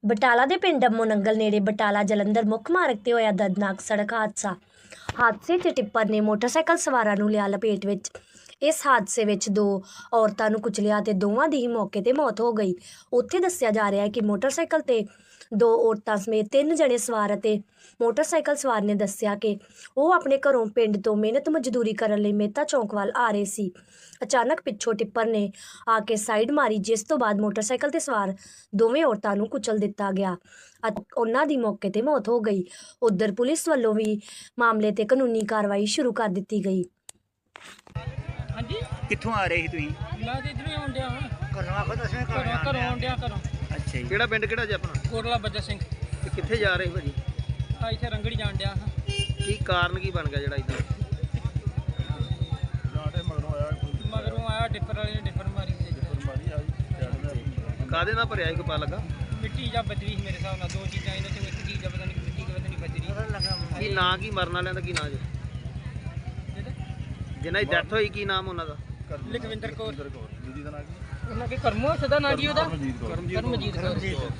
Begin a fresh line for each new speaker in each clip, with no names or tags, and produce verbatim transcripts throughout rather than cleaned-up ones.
ਬਟਾਲਾ ਦੇ ਪਿੰਡ ਅੰਮੋ ਨੰਗਲ ਨੇੜੇ ਬਟਾਲਾ ਜਲੰਧਰ ਮੁੱਖ ਮਾਰਗ ਤੇ ਹੋਇਆ ਦਰਦਨਾਕ ਸੜਕ ਹਾਦਸਾ। ਹਾਦਸੇ 'ਚ ਟਿੱਪਰ ਨੇ ਮੋਟਰਸਾਈਕਲ ਸਵਾਰਾਂ ਨੂੰ ਲਿਆ ਲਪੇਟ ਵਿੱਚ। ਇਸ ਹਾਦਸੇ ਵਿੱਚ ਦੋ ਔਰਤਾਂ ਨੂੰ ਕੁਚਲਿਆ ਤੇ ਦੋਵਾਂ ਦੀ ਹੀ ਮੌਕੇ ਤੇ ਮੌਤ ਹੋ ਗਈ। ਉੱਥੇ ਦੱਸਿਆ ਜਾ ਰਿਹਾ ਹੈ ਕਿ ਮੋਟਰਸਾਈਕਲ ਤੇ ਦੋ ਔਰਤਾਂ ਸਮੇਤ ਤਿੰਨ ਜਣੇ ਸਵਾਰ ਅਤੇ ਮੋਟਰਸਾਈਕਲ ਸਵਾਰ ਨੇ ਦੱਸਿਆ ਕਿ ਉਹ ਆਪਣੇ ਘਰੋਂ ਪਿੰਡ ਤੋਂ ਮਿਹਨਤ ਮਜ਼ਦੂਰੀ ਕਰਨ ਲਈ ਮਹਿਤਾ ਚੌਂਕ ਵੱਲ ਆ ਰਹੇ ਸੀ। ਅਚਾਨਕ ਪਿੱਛੋਂ ਟਿੱਪਰ ਨੇ ਆ ਕੇ ਸਾਈਡ ਮਾਰੀ, ਜਿਸ ਤੋਂ ਬਾਅਦ ਮੋਟਰਸਾਈਕਲ ਤੇ ਸਵਾਰ ਦੋਵੇਂ ਔਰਤਾਂ ਨੂੰ ਕੁਚਲ ਦਿੱਤਾ ਗਿਆ ਅਤੇ ਉਹਨਾਂ ਦੀ ਮੌਕੇ ਤੇ ਮੌਤ ਹੋ ਗਈ। ਉੱਧਰ ਪੁਲਿਸ ਵੱਲੋਂ ਵੀ ਮਾਮਲੇ ਤੇ ਕਾਨੂੰਨੀ ਕਾਰਵਾਈ ਸ਼ੁਰੂ ਕਰ ਦਿੱਤੀ ਗਈ।
ਹਾਂਜੀ,
ਕਿੱਥੋਂ ਆ ਰਹੇ ਸੀ ਤੁਸੀਂ?
ਮੈਂ ਤੇ ਇਧਰੋਂ ਆਉਣ ਡਿਆ ਹਾਂ।
ਘਰੋਂ ਆਖੋ ਦੱਸਵੇਂ
ਘਰੋਂ ਘਰੋਂ ਆਉਣ ਡਿਆ ਘਰੋਂ।
ਅੱਛਾ ਜੀ।
ਕਿਹੜਾ ਪਿੰਡ ਕਿਹੜਾ ਜੀ ਆਪਣਾ?
ਕੋਟਲਾ ਬੱਜਾ ਸਿੰਘ।
ਤੇ ਕਿੱਥੇ ਜਾ ਰਹੇ ਭਾਜੀ?
ਆ ਇੱਥੇ ਰੰਗੜੀ ਜਾਣ ਡਿਆ ਹਾਂ।
ਕੀ ਕਾਰਨ ਕੀ ਬਣ ਗਿਆ ਜਿਹੜਾ ਇਦਾਂ?
ਮਗਰੋਂ ਆਇਆ ਡਿੱਪਰ ਵਾਲੇ ਨੇ ਡਿੱਪਰ ਮਾਰੀ ਤੇ
ਕਾਹਦੇ ਨਾਲ ਭਰਿਆ ਸੀ ਕੋਈ ਪਤਾ ਲੱਗਾ?
ਮਿੱਟੀ ਜਾਂ ਬਜਰੀ ਸੀ ਮੇਰੇ ਹਿਸਾਬ ਨਾਲ। ਦੋ ਚੀਜ਼ਾਂ ਇਹਨਾਂ ਚੋਂ ਇੱਕ ਚੀਜ਼ ਆ, ਪਤਾ ਨਹੀਂ ਮਿੱਟੀ ਕਿ ਪਤਾ ਨਹੀਂ ਬਜਰੀ।
ਕੀ ਨਾਂ ਕੀ ਮਰਨ ਵਾਲਿਆਂ ਦਾ ਕੀ ਨਾਂ ਜੀ? ਜਿਨ੍ਹਾਂ ਦੀ ਡੈਥ ਹੋਈ ਕੀ ਨਾਮ ਉਹਨਾਂ ਦਾ?
ਲਖਵਿੰਦਰ ਕੌਰ। ਉਹਨਾਂ ਕੇ ਕਰਮੋ ਸਦਾ ਨਾਂ ਜੀ ਉਹਦਾ ਕਰਮਜੀਤ ਕੌਰ।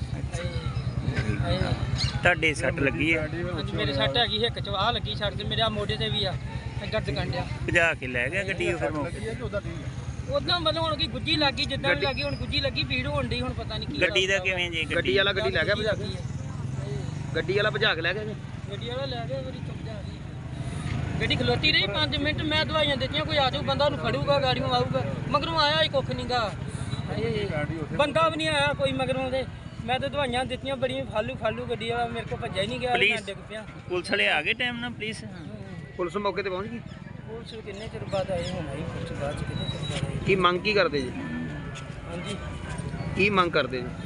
ਤੁਹਾਡੇ ਸੱਟ ਲੱਗੀ ਹੈ?
ਹਾਂਜੀ, ਮੇਰੇ ਸੱਟ ਹੈਗੀ ਹਿੱਕ ਚ, ਆਹ ਲੱਗੀ ਸੱਟ ਤੇ ਮੇਰੇ ਆ ਮੋਢੇ ਤੇ ਵੀ ਆ ਗਰਦ ਕੰਡਿਆ।
ਭਜਾ ਕੇ ਲੈ ਗਿਆ ਗੱਡੀ ਉਹ ਫਿਰ ਮੌਕੇ?
ਉਦਾਂ ਮਤਲਬ ਹੁਣ ਕੀ ਗੁੱਜੀ ਲੱਗੀ, ਜਿੱਦਾਂ ਵੀ ਲੱਗੀ ਹੁਣ ਗੁੱਜੀ ਲੱਗੀ, ਭੀੜ ਹੋਣ ਡਈ, ਹੁਣ ਪਤਾ ਨਹੀਂ ਕੀ
ਗੱਡੀ ਦਾ ਕਿਵੇਂ ਜੀ?
ਗੱਡੀ ਵਾਲਾ ਗੱਡੀ ਲੈ ਗਿਆ ਭਜਾ ਕੇ? ਗੱਡੀ ਵਾਲਾ ਭਜਾ ਕੇ ਲੈ ਗਿਆ ਜੀ?
ਗੱਡੀ ਵਾਲਾ ਲੈ ਗਿਆ, ਮੇਰੀ ਚੁੱਪ ਜਾ ਰਹੀ। ਗੱਡੀ ਖਲੋਤੀ ਰਹੀ ਪੰਜ ਮਿੰਟ, ਮੈਂ ਦਵਾਈਆਂ ਦਿੱਤੀਆਂ, ਕੋਈ ਆ ਜਾਊ ਬੰਦਾ ਉਹਨੂੰ ਫੜੂਗਾ, ਗਾੜੀਆਂ ਆਊਗਾ। ਮਗਰੋਂ ਆਇਆ ਹੀ ਕੁੱਖ ਨਹੀਂ ਗਾ, ਬੰਦਾ ਵੀ ਨਹੀਂ ਆਇਆ ਕੋਈ ਮਗਰੋਂ ਦੇ। ਮੈਂ ਤਾਂ ਦਵਾਈਆਂ ਦਿੱਤੀਆਂ ਬੜੀਆਂ, ਫਾਲੂ ਫਾਲੂ ਗੱਡੀ ਵਾਲਾ ਮੇਰੇ ਕੋਲ ਭੱਜਿਆ ਹੀ ਨਹੀਂ ਗਿਆ, ਮੈਂ ਡਿੱਗ ਪਿਆ।
ਪੁਲਿਸ ਵਾਲੇ ਆ ਗਏ ਟਾਈਮ ਨਾਲ? ਪੁਲਿਸ
ਪੁਲਿਸ ਮੌਕੇ ਤੇ ਪਹੁੰਚ ਗਈ?
ਪੁਲਿਸ ਕਿੰਨੇ ਚਿਰ ਬਾਅਦ ਆਏ ਹੁਣ ਆਈ ਪੁਲਿਸ ਬਾਅਦ ਚ, ਕਿੰਨੇ ਚਿਰ ਬਾਅਦ ਆਈ।
ਕੀ ਮੰਗ ਕੀ ਕਰਦੇ ਜੀ?
ਹਾਂਜੀ,
ਕੀ ਮੰਗ ਕਰਦੇ ਜੀ?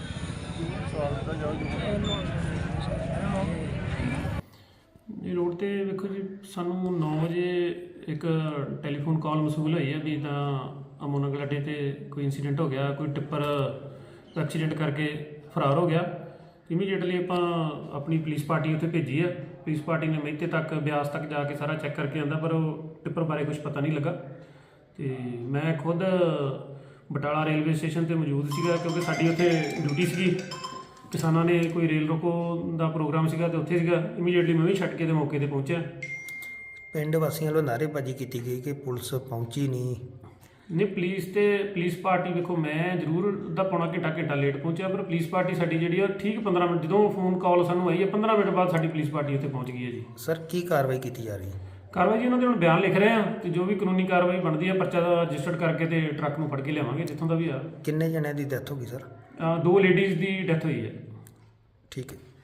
ਜੀ ਰੋਡ ਤੇ ਵੇਖੋ ਜੀ, ਸਾਨੂੰ ਨੌ ਵਜੇ ਇੱਕ ਟੈਲੀਫੋਨ ਕਾਲ ਮਸੂਲ ਹੋਈ ਹੈ ਵੀ ਤਾਂ ਅੰਮੋ ਨੰਗਲ ਅੱਡੇ ਤੇ ਕੋਈ ਇਨਸੀਡੈਂਟ ਹੋ ਗਿਆ, ਕੋਈ ਟਿੱਪਰ ਐਕਸੀਡੈਂਟ ਕਰਕੇ ਫਰਾਰ ਹੋ ਗਿਆ। ਇਮੀਡੀਏਟਲੀ ਆਪਾਂ ਆਪਣੀ ਪੁਲਿਸ ਪਾਰਟੀ ਉੱਥੇ ਭੇਜੀ ਆ। ਪੁਲਿਸ ਪਾਰਟੀ ਨੇ ਮਹਿਤੇ ਤੱਕ, ਬਿਆਸ ਤੱਕ ਜਾ ਕੇ ਸਾਰਾ ਚੈੱਕ ਕਰਕੇ ਆਂਦਾ, ਪਰ ਉਹ ਟਿੱਪਰ ਬਾਰੇ ਕੁਝ ਪਤਾ ਨਹੀਂ ਲੱਗਾ। ਤੇ ਮੈਂ ਖੁਦ ਬਟਾਲਾ ਰੇਲਵੇ ਸਟੇਸ਼ਨ ਤੇ ਮੌਜੂਦ ਸੀਗਾ, ਕਿਉਂਕਿ ਸਾਡੀ ਉੱਥੇ ਡਿਊਟੀ ਸੀਗੀ। ਕਿਸਾਨਾਂ ਨੇ ਕੋਈ ਰੇਲ ਰੋਕੋ ਦਾ ਪ੍ਰੋਗਰਾਮ ਸੀਗਾ ਤੇ ਉੱਥੇ ਸੀਗਾ। ਇਮੀਡੀਏਟਲੀ ਮੈਂ ਵੀ ਛੱਡ ਕੇ ਤੇ ਮੌਕੇ ਤੇ ਪਹੁੰਚਿਆ।
ਪਿੰਡ ਵਾਸੀਆਂ ਵੱਲੋਂ ਨਾਅਰੇਬਾਜ਼ੀ ਕੀਤੀ ਗਈ ਕਿ ਪੁਲਿਸ ਪਹੁੰਚੀ ਨਹੀਂ।
ਨਹੀਂ, ਪੁਲਿਸ ਤੇ ਪੁਲਿਸ ਪਾਰਟੀ ਵੇਖੋ, ਮੈਂ ਜ਼ਰੂਰ ਅੱਧਾ ਪੌਣਾ ਘੰਟਾ ਘੰਟਾ ਲੇਟ ਪਹੁੰਚਿਆ, ਪਰ ਪੁਲਿਸ ਪਾਰਟੀ ਸਾਡੀ ਜਿਹੜੀ ਆ ਠੀਕ ਪੰਦਰਾਂ ਮਿੰਟ, ਜਦੋਂ ਫੋਨ ਕਾਲ ਸਾਨੂੰ ਆਈ ਹੈ ਪੰਦਰਾਂ ਮਿੰਟ ਬਾਅਦ ਸਾਡੀ ਪੁਲਿਸ ਪਾਰਟੀ ਉੱਥੇ ਪਹੁੰਚ ਗਈ ਹੈ ਜੀ।
ਸਰ ਕੀ ਕਾਰਵਾਈ ਕੀਤੀ ਜਾ ਰਹੀ ਹੈ?
ਕਾਰਵਾਈ ਜੀ ਉਹਨਾਂ ਦੇ ਹੁਣ ਬਿਆਨ ਲਿਖ ਰਹੇ ਆ ਤੇ ਜੋ ਵੀ ਕਾਨੂੰਨੀ ਕਾਰਵਾਈ ਬਣਦੀ ਹੈ ਪਰਚਾ ਦਾ ਰਜਿਸਟਰਡ ਕਰਕੇ ਤੇ ਟਰੱਕ ਨੂੰ ਫੜ ਕੇ ਲਿਆਵਾਂਗੇ ਜਿੱਥੋਂ ਦਾ ਵੀ ਆ।
ਕਿੰਨੇ ਜਣਿਆਂ ਦੀ ਡੈਥ ਹੋ ਗਈ ਸਰ?
ਅ, ਦੋ ਲੇਡੀਜ਼ ਦੀ ਡੈਥ ਹੋਈ ਹੈ।
ਠੀਕ ਹੈ।